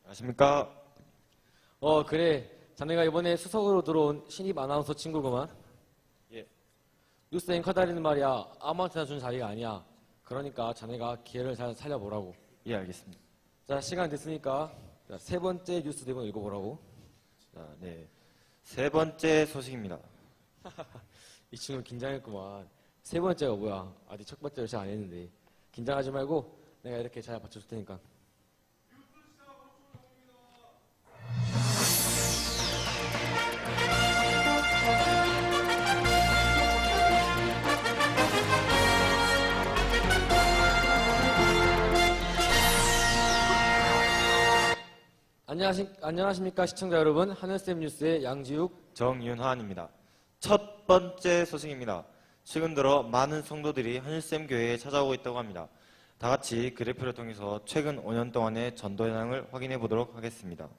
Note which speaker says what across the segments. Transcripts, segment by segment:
Speaker 1: 안녕하십니까?
Speaker 2: 그래. 자네가 이번에 수석으로 들어온 신입 아나운서 친구구만.
Speaker 1: 예.
Speaker 2: 뉴스 앵커 다리는 말이야. 아무한테나 준 자리가 아니야. 그러니까 자네가 기회를 잘 살려보라고.
Speaker 1: 예, 알겠습니다.
Speaker 2: 자, 시간 됐으니까 자, 세 번째 뉴스 대본 읽어보라고.
Speaker 1: 자, 네. 세 번째 소식입니다.
Speaker 2: 이 친구 긴장했구만. 세 번째가 뭐야? 아직 첫 번째를 잘 안 했는데. 긴장하지 말고 내가 이렇게 잘 받쳐줄 테니까. 안녕하십니까 시청자 여러분. 하늘쌤 뉴스의 양지욱,
Speaker 1: 정윤환입니다. 첫 번째 소식입니다. 최근 들어 많은 성도들이 하늘샘 교회에 찾아오고 있다고 합니다. 다 같이 그래프를 통해서 최근 5년 동안의 전도 현황을 확인해 보도록 하겠습니다.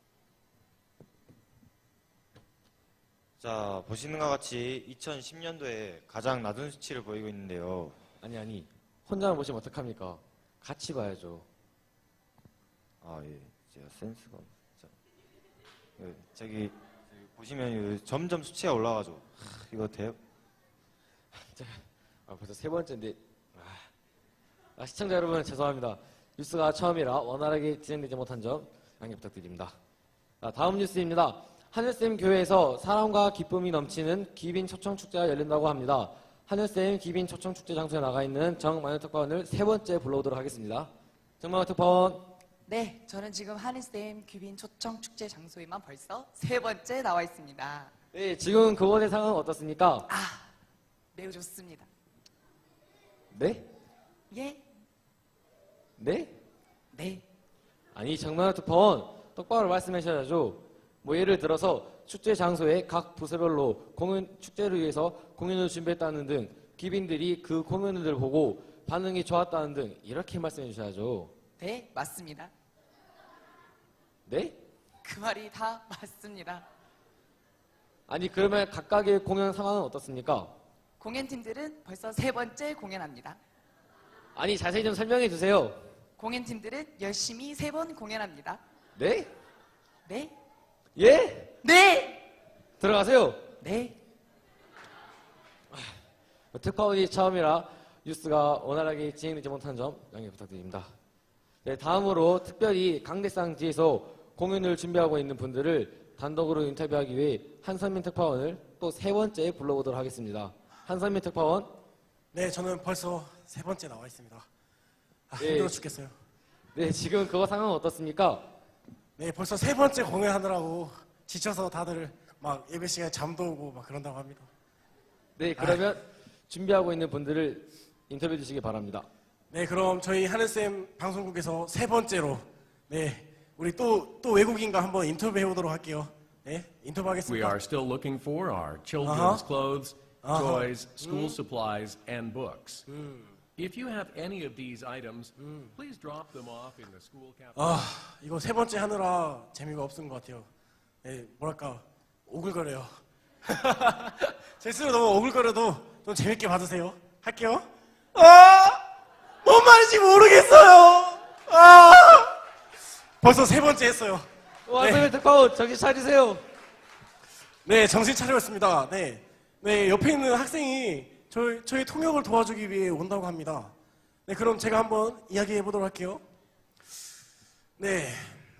Speaker 1: 자, 보시는 것과 같이 2010년도에 가장 낮은 수치를 보이고 있는데요.
Speaker 2: 아니 혼자만 보시면 어떡합니까? 같이 봐야죠.
Speaker 1: 아, 예. 제가 센스가 없죠. 저기 보시면 점점 수치가 올라가죠. 이거 돼요?
Speaker 2: 벌써 세 번째인데. 시청자 여러분 죄송합니다. 뉴스가 처음이라 원활하게 진행되지 못한 점 양해 부탁드립니다. 다음 뉴스입니다. 하늘샘 교회에서 사랑과 기쁨이 넘치는 귀빈 초청 축제가 열린다고 합니다. 하늘샘 귀빈 초청 축제 장소에 나가 있는 정만현 특파원을 세 번째 불러오도록 하겠습니다. 정만현 특파원.
Speaker 3: 네, 저는 지금 하늘쌤 귀빈 초청 축제 장소에만 벌써 세 번째 나와 있습니다.
Speaker 2: 네, 지금 그곳의 상황은 어떻습니까?
Speaker 3: 매우 좋습니다.
Speaker 2: 네?
Speaker 3: 예?
Speaker 2: 네?
Speaker 3: 네.
Speaker 2: 아니 정만현 특파원 똑바로 말씀하셔야죠. 뭐 예를 들어서 축제 장소에 각 부서별로 축제를 위해서 공연을 준비했다는 등 귀빈들이 그 공연을 보고 반응이 좋았다는 등 이렇게 말씀해 주셔야죠.
Speaker 3: 네, 맞습니다.
Speaker 2: 네?
Speaker 3: 그 말이 다 맞습니다.
Speaker 2: 아니 그러면 각각의 공연 상황은 어떻습니까?
Speaker 3: 공연팀들은 벌써 세 번째 공연합니다.
Speaker 2: 아니 자세히 좀 설명해 주세요.
Speaker 3: 공연팀들은 열심히 세 번 공연합니다.
Speaker 2: 네?
Speaker 3: 네?
Speaker 2: 예?
Speaker 3: 네!
Speaker 2: 들어가세요.
Speaker 3: 네.
Speaker 2: 특파원이 처음이라 뉴스가 원활하게 진행되지 못한 점 양해 부탁드립니다. 네, 다음으로 특별히 강대상지에서 공연을 준비하고 있는 분들을 단독으로 인터뷰하기 위해 한선민 특파원을 또 세 번째 불러보도록 하겠습니다. 한선민 특파원.
Speaker 4: 네, 저는 벌써 세 번째 나와 있습니다.
Speaker 2: 네.
Speaker 4: 힘들어 죽겠어요.
Speaker 2: 네, 지금 그거 상황은 어떻습니까?
Speaker 4: 네, 벌써 세 번째 공연하느라고 지쳐서 다들 막 예배 시간에 잠도 오고 막 그런다고 합니다.
Speaker 2: 네, 그러면 준비하고 있는 분들을 인터뷰해 주시기 바랍니다.
Speaker 4: 네, 그럼 저희 하늘쌤 방송국에서 세 번째로 네, 우리 또 외국인과 한번 인터뷰해 보도록 할게요. 네,
Speaker 5: We
Speaker 4: 인터뷰하겠습니다.
Speaker 5: are still looking for our children's clothes, toys, school supplies, and books. If you have any of these items, please drop them off in the school cafeteria.
Speaker 4: 이거 세 번째 하느라 재미가 없은 것 같아요. 네, 뭐랄까 오글거려요. 제 스스로 너무 오글거려도 좀 재밌게 봐주세요. 할게요. 뭔 말인지 모르겠어요. 벌써 세 번째 했어요.
Speaker 2: 한선민 특파원 정신 차리세요.
Speaker 4: 네, 정신 차렸습니다. 네, 옆에 있는 학생이 저희 통역을 도와주기 위해 온다고 합니다. 네, 그럼 제가 한번 이야기해 보도록 할게요. 네,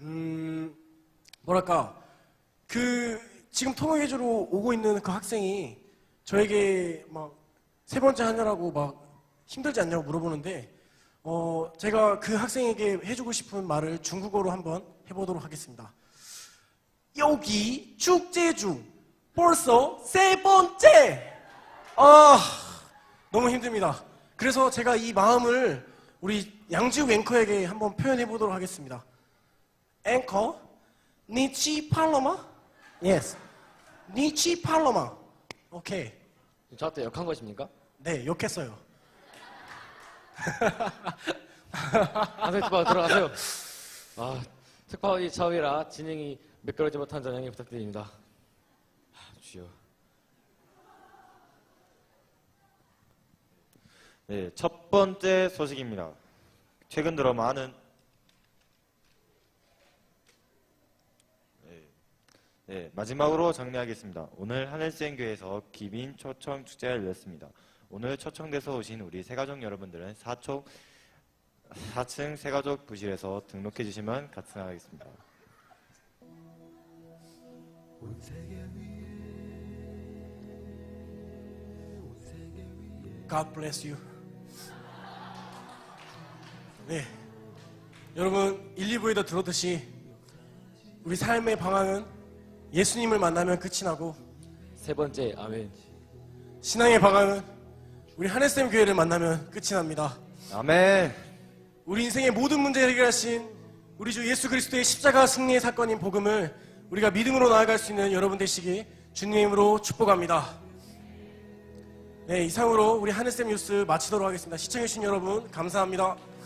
Speaker 4: 뭐랄까 지금 통역해주러 오고 있는 그 학생이 저에게 막 세 번째 하느라고 막 힘들지 않냐고 물어보는데 제가 그 학생에게 해주고 싶은 말을 중국어로 한번 해보도록 하겠습니다. 여기 축제 중 벌써 세 번째! 너무 힘듭니다. 그래서 제가 이 마음을 우리 양지욱 앵커에게 한번 표현해 보도록 하겠습니다. 앵커, 니치 팔로마? Yes. 니치 팔로마. 오케이.
Speaker 2: 저한테 역한 것입니까?
Speaker 4: 네, 욕했어요.
Speaker 2: 한선민 특파원 들어가세요. 특파원이 처음이라 진행이 매끄러지 못한 점 양해 부탁드립니다. 주여.
Speaker 1: 네, 첫 번째 소식입니다. 최근 들어 많은 네, 마지막으로 정리하겠습니다. 오늘 하늘쌤교회에서 기빈 초청 축제가 열렸습니다. 오늘 초청돼서 오신 우리 새가족 여러분들은 4층 새가족 부실에서 등록해 주시면 가능하겠습니다.
Speaker 4: God bless you. 네, 여러분 1, 2부에도 들었듯이 우리 삶의 방향은 예수님을 만나면 끝이 나고
Speaker 2: 세 번째, 아멘.
Speaker 4: 신앙의 방향은 우리 하늘쌤 교회를 만나면 끝이 납니다.
Speaker 1: 아멘.
Speaker 4: 우리 인생의 모든 문제를 해결하신 우리 주 예수 그리스도의 십자가 승리의 사건인 복음을 우리가 믿음으로 나아갈 수 있는 여러분 되시기 주님의 이름으로 축복합니다. 네, 이상으로 우리 하늘쌤 뉴스 마치도록 하겠습니다. 시청해주신 여러분 감사합니다.